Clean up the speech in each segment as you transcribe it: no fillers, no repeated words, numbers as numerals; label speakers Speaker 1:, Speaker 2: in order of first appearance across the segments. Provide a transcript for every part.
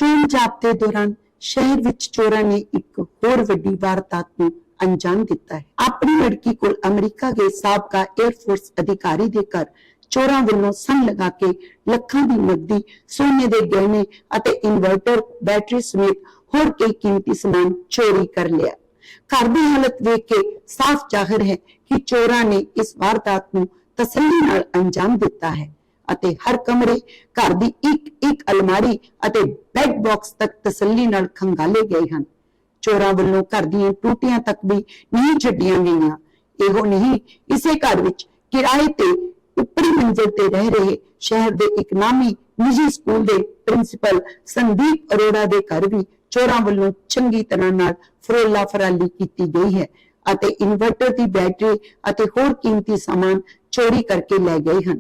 Speaker 1: ਚੋਣ ਜ਼ਾਬਤੇ ਦੌਰਾਨ ਸ਼ਹਿਰ ਵਿੱਚ ਚੋਰਾਂ ਨੇ ਇੱਕ ਹੋਰ ਵੱਡੀ ਵਾਰਦਾਤ ਨੂੰ ਅੰਜਾਮ ਦਿੱਤਾ ਹੈ। ਆਪਣੀ ਲੜਕੀ ਕੋਲ ਅਮਰੀਕਾ ਗਏ ਸਾਬਕਾ 에ਅਰਫੋਰਸ ਅਧਿਕਾਰੀ ਦੇ ਘਰ ਚੋਰਾਂ ਵੱਲੋਂ ਸੰਨ ਲਗਾ ਕੇ ਲੱਖਾਂ ਦੀ ਨਕਦੀ, ਸੋਨੇ ਦੇ ਗਹਿਣੇ ਅਤੇ ਇਨਵਰਟਰ, ਬੈਟਰੀ ਸਮੇਤ ਹੋਰ ਕਈ ਕੀਮਤੀ ਸਮਾਨ ਚੋਰੀ ਕਰ ਲਿਆ। ਘਰ ਦੀ ਹਾਲਤ ਵੇਖ ਕੇ ਸਾਫ਼ ਜ਼ਾਹਿਰ ਹੈ ਕਿ ਚੋਰਾਂ ਨੇ ਇਸ ਵਾਰਦਾਤ ਨੂੰ ਤਸੱਲੀ ਨਾਲ ਅੰਜਾਮ ਦਿੱਤਾ ਹੈ ਅਤੇ ਹਰ ਕਮਰੇ, ਘਰ ਦੀ ਇੱਕ ਅਲਮਾਰੀ ਅਤੇ ਬੈੱਡ ਬਾਕਸ ਤੱਕ ਤਸੱਲੀ ਨਾਲ ਖੰਗਾਲੇ ਗਏ ਹਨ। ਚੋਰਾਂ ਵੱਲੋਂ ਘਰ ਦੀਆਂ ਟੂਟੀਆਂ ਤੱਕ ਵੀ ਨਹੀਂ ਛੱਡੀਆਂ ਗਈਆਂ। ਇਹੋ ਨਹੀਂ, ਇਸੇ ਘਰ ਵਿੱਚ ਕਿਰਾਏ ਤੇ ਉੱਪਰੀ ਮੰਜ਼ਿਲ ਤੇ ਰਹਿ ਰਹੇ ਸ਼ਹਿਰ ਦੇ ਇੱਕ ਨਾਮੀ ਨਿੱਜੀ ਸਕੂਲ ਦੇ ਪ੍ਰਿੰਸੀਪਲ ਸੰਦੀਪ ਅਰੋੜਾ ਦੇ ਘਰ ਵੀ ਚੋਰਾਂ ਵੱਲੋਂ ਚੰਗੀ ਤਰ੍ਹਾਂ ਨਾਲ ਫਰੋਲਾ ਫਰਾਲੀ ਕੀਤੀ ਗਈ ਹੈ ਅਤੇ ਇਨਵਰਟਰ ਦੀ ਬੈਟਰੀ ਅਤੇ ਹੋਰ ਕੀਮਤੀ ਸਾਮਾਨ ਚੋਰੀ ਕਰਕੇ ਲੈ ਗਏ ਹਨ।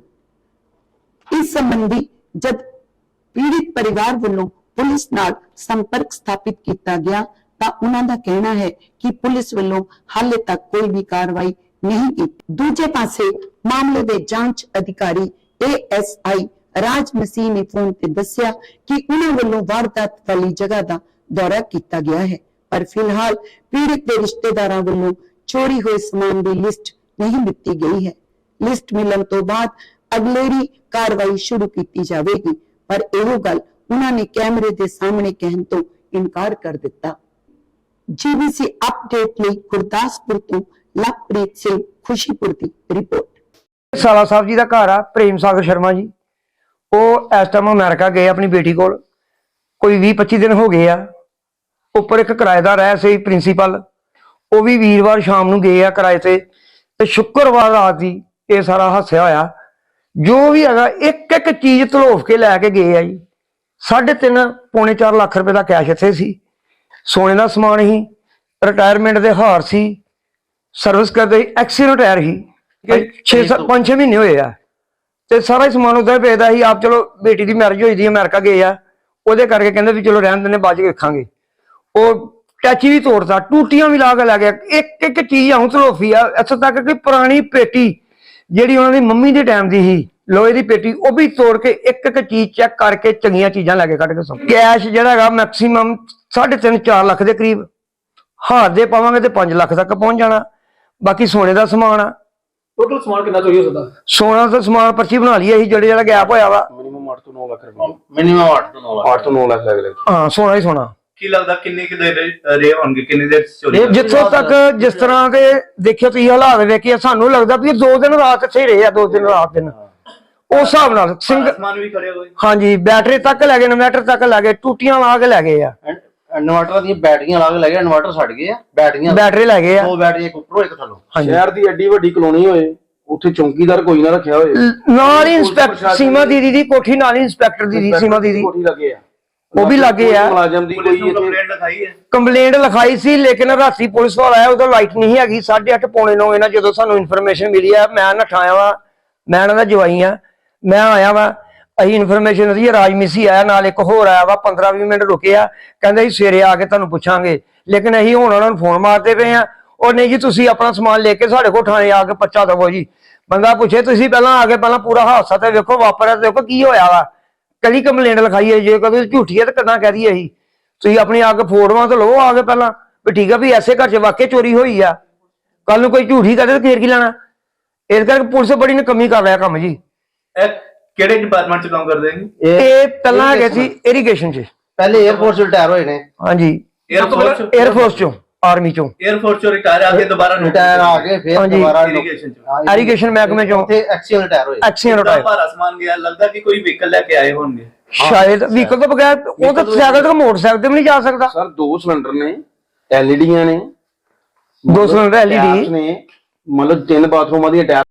Speaker 1: ਇਸ ਸੰਬੰਧੀ ਜਦ ਪੀੜਿਤ ਪਰਿਵਾਰ ਵੱਲੋਂ ਪੁਲਿਸ ਨਾਲ ਸੰਪਰਕ ਸਥਾਪਿਤ ਕੀਤਾ ਗਿਆ ਤਾਂ ਉਹਨਾਂ ਦਾ ਕਹਿਣਾ ਹੈ ਕਿ ਪੁਲਿਸ ਵੱਲੋਂ ਹਾਲੇ ਤੱਕ ਕੋਈ ਵੀ ਕਾਰਵਾਈ ਨਹੀਂ ਕੀਤੀ। ਦੂਜੇ ਪਾਸੇ ਮਾਮਲੇ ਦੇ ਜਾਂਚ ਅਧਿਕਾਰੀ ASI ਰਾਜ ਮਸੀਹ ਨੇ ਫੋਨ ਤੇ ਦੱਸਿਆ ਕਿ ਉਹਨਾਂ ਵੱਲੋਂ ਵਾਰਦਾਤ ਵਾਲੀ ਜਗ੍ਹਾ ਦਾ ਦੌਰਾ ਕੀਤਾ ਗਿਆ ਹੈ, ਪਰ ਫਿਲਹਾਲ ਪੀੜਿਤ ਦੇ ਰਿਸ਼ਤੇਦਾਰਾਂ ਵੱਲੋਂ ਚੋਰੀ ਹੋਏ ਸਮਾਨ ਦੀ ਲਿਸਟ ਨਹੀਂ ਦਿੱਤੀ ਗਈ ਹੈ। ਲਿਸਟ ਮਿਲਣ ਤੋਂ ਬਾਅਦ ਅਗਲੇਰੀ ਕਾਰਵਾਈ ਸ਼ੁਰੂ ਕੀਤੀ ਜਾਵੇਗੀ, ਪਰ ਇਹੋ ਗੱਲ ਉਹਨਾਂ ਨੇ ਕੈਮਰੇ ਦੇ ਸਾਹਮਣੇ ਕਹਿਣ ਤੋਂ ਇਨਕਾਰ ਕਰ ਦਿੱਤਾ। GBC ਅਪਡੇਟ ਲਈ ਗੁਰਦਾਸਪੁਰ ਤੋਂ ਲਵਪ੍ਰੀਤ ਸਿੰਘ ਖੁਸ਼ੀਪੁਰ ਦੀ ਰਿਪੋਰਟ।
Speaker 2: ਸਾਲਾ ਸਾਹਿਬ ਜੀ ਦਾ ਘਰ ਆ ਪ੍ਰੇਮ ਸਾਗਰ ਸ਼ਰਮਾ ਜੀ, ਉਹ ਇਸ ਟਾਈਮ ਅਮਰੀਕਾ ਗਏ ਆਪਣੀ ਬੇਟੀ ਕੋਲ, ਕੋਈ 20-25 ਦਿਨ ਹੋ ਗਏ ਆ। ਉੱਪਰ ਇੱਕ ਕਿਰਾਏਦਾਰ ਹੈ ਸੀ ਪ੍ਰਿੰਸੀਪਲ, ਉਹ ਵੀ ਵੀਰਵਾਰ ਸ਼ਾਮ ਨੂੰ ਗਏ ਆ ਕਿਰਾਏ ਤੇ ਸ਼ੁੱਕਰਵਾਰ ਰਾਤ ਦੀ ਇਹ ਸਾਰਾ ਹਾਸਿਆ ਹੋਇਆ। ਜੋ ਵੀ ਹੈਗਾ ਇੱਕ ਚੀਜ਼ ਧਲੋਫ ਕੇ ਲੈ ਕੇ ਗਏ ਆ ਜੀ। 3.5 ਪੌਣੇ 4 ਲੱਖ ਰੁਪਏ ਦਾ ਕੈਸ਼ ਇੱਥੇ ਸੀ, ਸੋਨੇ ਦਾ ਸਮਾਨ ਸੀ, ਰਿਟਾਇਰਮੈਂਟ ਦੇ ਹਾਰ ਸੀ, ਸਰਵਿਸ ਕਰਦੇ ਐਕਸੀਡੈਂਟ ਟਾਇਰ ਸੀ, 5-6 ਮਹੀਨੇ ਹੋਏ ਆ ਤੇ ਸਾਰਾ ਹੀ ਸਮਾਨ ਉਦਾਂ ਹੀ ਵੇਚਦਾ ਸੀ। ਆਪ ਚਲੋ ਬੇਟੀ ਦੀ ਮੈਰਿਜ ਹੋਈ ਦੀ ਅਮਰੀਕਾ ਗਏ ਆ, ਉਹਦੇ ਕਰਕੇ ਕਹਿੰਦੇ ਵੀ ਚਲੋ ਰਹਿਣ ਦਿੰਦੇ, ਬਾਅਦ ਚ ਵੇਖਾਂਗੇ। ਉਹ ਟੈਚੀ ਵੀ ਤੋੜਦਾ, ਟੂਟੀਆਂ ਵੀ ਲਾ ਕੇ ਲੈ ਗਿਆ। ਇੱਕ ਚੀਜ਼ ਆਉਂ ਧਲੋਫੀ ਆ, ਇੱਥੋਂ ਤੱਕ ਕਿ ਪੁਰਾਣੀ ਪੇਟੀ ਜਿਹੜੀ ਉਹਨਾਂ ਦੀ ਮੰਮੀ ਦੇ ਟਾਈਮ ਦੀ ਸੀ, ਲੋਹੇ ਦੀ ਪੇਟੀ, ਉਹ ਵੀ ਤੋੜ ਕੇ ਇੱਕ ਚੀਜ਼ ਚੈੱਕ ਕਰਕੇ ਚੰਗੀਆਂ ਚੀਜ਼ਾਂ ਲੈ ਕੇ ਕੱਢ ਕੇ ਸੋ। ਕੈਸ਼ ਜਿਹੜਾ ਹੈਗਾ ਮੈਕਸੀਮਮ 3.5-4 ਲੱਖ ਦੇ ਕਰੀਬ, ਹਾਰ ਦੇ ਪਾਵਾਂਗੇ ਤੇ 5 ਲੱਖ ਤੱਕ ਪਹੁੰਚ ਜਾਣਾ। ਬਾਕੀ ਸੋਨੇ ਦਾ ਸਮਾਨ ਆ।
Speaker 3: ਟੋਟਲ ਸਮਾਨ ਕਿੰਨਾ ਚੋਰੀ ਹੋ ਸਕਦਾ?
Speaker 2: ਸੋਨਾ ਦਾ ਸਮਾਨ ਪਰਚੀ ਬਣਾ ਲਈ ਅਸੀਂ, ਜਿਹੜਾ ਗੈਪ ਹੋਇਆ ਵਾ।
Speaker 3: ਮਿਨੀਮਮ 8 ਤੋਂ 9 ਲੱਖ ਰੁਪਏ। ਮਿਨੀਮਮ 8 ਤੋਂ 9 ਲੱਖ ਲੱਗ
Speaker 2: ਹਾਂ, ਸੋਨਾ ਹੀ ਸੋਨਾ।
Speaker 3: ਕੀ ਲੱਗਦਾ ਕਿੰਨੇ ਕਿ ਦੇਰ ਰਹੇ ਹੋਣਗੇ, ਕਿੰਨੀ ਦੇਰ ਚੋਰੀ?
Speaker 2: ਜਿੱਥੋਂ ਤੱਕ ਜਿਸ ਤਰ੍ਹਾਂ ਦੇ ਦੇਖਿਓ ਤੁਸੀਂ ਹਾਲਾਤ ਵੇਖਿਆ, ਸਾਨੂੰ ਲੱਗਦਾ ਵੀ 2 ਦਿਨ ਰਾਤ ਇੱਥੇ ਰਹੇ ਆ, 2 ਦਿਨ ਰਾਤ ਦਿਨ ਉਸ ਹਿਸਾਬ ਨਾਲ।
Speaker 3: ਸਮਾਨ ਵੀ ਖੜਿਆ ਹੋਇਆ।
Speaker 2: ਹਾਂਜੀ, ਬੈਟਰੀ ਤੱਕ ਲੈ ਗਏ, ਇਨਵਰਟਰ ਤੱਕ ਲੈ ਗਏ, ਟੂਟੀਆਂ ਲਾ ਕੇ ਲੈ ਗਏ ਆ।
Speaker 4: ਇਨਵਰਟਰ ਦੀਆਂ ਬੈਟਰੀਆਂ ਲਾ ਕੇ ਲੈ ਗਏ, ਇਨਵਰਟਰ ਛੱਡ ਗਏ ਆ,
Speaker 2: ਬੈਟਰੀ ਲੈ ਗਏ ਆ।
Speaker 4: 2 ਬੈਟਰੀਆਂ, ਇੱਕ ਉੱਪਰੋਂ ਇੱਕ ਥੱਲੋਂ।
Speaker 5: ਸ਼ਹਿਰ ਦੀ ਐਡੀ ਵੱਡੀ ਕਲੋਨੀ ਹੋਏ, ਉੱਥੇ ਚੌਂਕੀਦਾਰ ਕੋਈ ਨਾ ਰੱਖਿਆ ਹੋਏ,
Speaker 2: ਨਾਲ ਹੀ ਇੰਸਪੈਕਟਰ ਸੀਮਾ ਦੀਦੀ ਦੀ ਕੋਠੀ, ਨਾਲ ਹੀ ਇੰਸਪੈਕਟਰ ਦੀ ਸੀਮਾ ਦੀਦੀ
Speaker 5: ਕੋਠੀ ਲੱਗੇ ਆ,
Speaker 2: ਉਹ ਵੀ ਲੱਗੇ ਆ।
Speaker 5: ਮੁਲਾਜ਼ਮ ਦੀ ਕੋਈ
Speaker 2: ਕੰਪਲੇਂਟ ਲਿਖਾਈ ਸੀ, ਲੇਕਿਨ ਰਾਤੀ ਪੁਲਿਸ ਵਾਲਾ ਆਇਆ, ਉਦੋਂ ਲਾਈਟ ਨਹੀਂ ਹੈਗੀ। 8:30 ਪੌਣੇ 9 ਇਹਨਾਂ ਜਦੋਂ ਸਾਨੂੰ ਇਨਫੋਰਮੇਸ਼ਨ ਮਿਲੀ ਆ, ਮੈਂ ਨਠਾਇਆ ਵਾ, ਮੈਂ ਇਹਨਾਂ ਦਾ ਜਵਾਈ ਆ, ਮੈਂ ਆਇਆ ਵਾ। ਅਸੀਂ ਇਨਫੋਰਮੇਸ਼ਨ ਦੀ ਰਾਜਮੀਸੀ ਆਇਆ, ਨਾਲ ਇੱਕ ਹੋਰ ਆਇਆ ਵਾ, 15-20 ਮਿੰਟ ਰੁਕੇ ਆ, ਕਹਿੰਦੇ ਸੀ ਸਵੇਰੇ ਆ ਕੇ ਤੁਹਾਨੂੰ ਪੁੱਛਾਂਗੇ। ਲੇਕਿਨ ਅਸੀਂ ਹੁਣ ਉਹਨਾਂ ਨੂੰ ਫੋਨ ਮਾਰਦੇ ਪਏ ਆ, ਉਹ ਨਹੀਂ ਜੀ ਤੁਸੀਂ ਆਪਣਾ ਸਮਾਨ ਲੈ ਕੇ ਸਾਡੇ ਕੋਲ ਥਾਣੇ ਆ ਕੇ ਪਰਚਾ ਦਵੋ ਜੀ। ਬੰਦਾ ਪੁੱਛੇ ਤੁਸੀਂ ਪਹਿਲਾਂ ਆ ਕੇ ਪਹਿਲਾਂ ਪੂਰਾ ਹਾਦਸਾ ਤੇ ਵੇਖੋ ਵਾਪਰਿਆ, ਦੇਖੋ ਕੀ ਹੋਇਆ ਵਾ। ਕਦੀ ਕੰਪਲੇਂਟ ਲਿਖਾਈ ਹੈ, ਜੇ ਕਦੇ ਝੂਠੀ ਹੈ ਤਾਂ ਕਿੱਦਾਂ ਕਹਿ ਦਈਏ ਅਸੀਂ? ਤੁਸੀਂ ਆਪਣੀ ਆ ਕੇ ਫੋਟੋਆਂ ਤਾਂ ਲਓ ਆ ਕੇ ਪਹਿਲਾਂ, ਵੀ ਠੀਕ ਆ ਵੀ ਐਸੇ ਘਰ 'ਚ ਵਾਕਿਆ ਚੋਰੀ ਹੋਈ ਆ। ਕੱਲ ਨੂੰ ਕੋਈ ਝੂਠੀ ਕਹਦੇ ਤਾਂ ਫੇਰ ਕੀ ਲੈਣਾ? ਇਸ ਕਰਕੇ ਪੁਲਿਸ ਬੜੀ ਨਕਮੀ ਕਰ ਰਿਹਾ ਕੰਮ ਜੀ।
Speaker 3: ਕਿਹੜੇ ਡਿਪਾਰਟਮੈਂਟ 'ਚ ਕੰਮ ਕਰਦੇ ਨੇ?
Speaker 2: ਇਹ ਪਹਿਲਾਂ ਹੈਗੇ ਸੀ ਇਰੀਗੇਸ਼ਨ 'ਚ,
Speaker 4: ਪਹਿਲੇ 에ਅਰਫੋਰਸ ਰਿਟਾਇਰ ਹੋਏ ਨੇ।
Speaker 2: ਹਾਂਜੀ, 에ਅਰਫੋਰਸ 'ਚੋਂ, ਆਰਮੀ 'ਚੋਂ।
Speaker 3: 에ਅਰਫੋਰਸ 'ਚੋਂ ਰਿਟਾਇਰ ਆ ਕੇ ਦੁਬਾਰਾ
Speaker 4: ਰਿਟਾਇਰ ਆ ਕੇ ਫਿਰ ਦੁਬਾਰਾ
Speaker 2: ਇਰੀਗੇਸ਼ਨ ਮਹਿਕਮੇ 'ਚੋਂ
Speaker 4: ਐਕਸੀਅਨ ਰਿਟਾਇਰ ਹੋਏ।
Speaker 2: XEN retire.
Speaker 3: ਭਾਰਾ ਸਮਾਨ ਗਿਆ, ਲੱਗਦਾ ਕਿ ਕੋਈ ਵਹੀਕਲ ਲੈ ਕੇ ਆਏ ਹੋਣਗੇ
Speaker 2: ਸ਼ਾਇਦ। ਵਹੀਕਲ ਤੋਂ ਬਗੈਰ ਉਹ ਤਾਂ ਸਾਈਕਲ ਤੋਂ ਮੋਟਰਸਾਈਕਲ ਤੇ ਵੀ ਨਹੀਂ ਜਾ ਸਕਦਾ
Speaker 5: ਸਰ। 2 ਸਿਲੰਡਰ ਨੇ, ਐਲਈਡੀਆਂ ਨੇ,
Speaker 2: 2 ਸਿਲੰਡਰ ਐਲਈਡੀ
Speaker 5: ਨੇ, ਮਤਲਬ 3 ਬਾਥਰੂਮਾਂ ਦੀਆਂ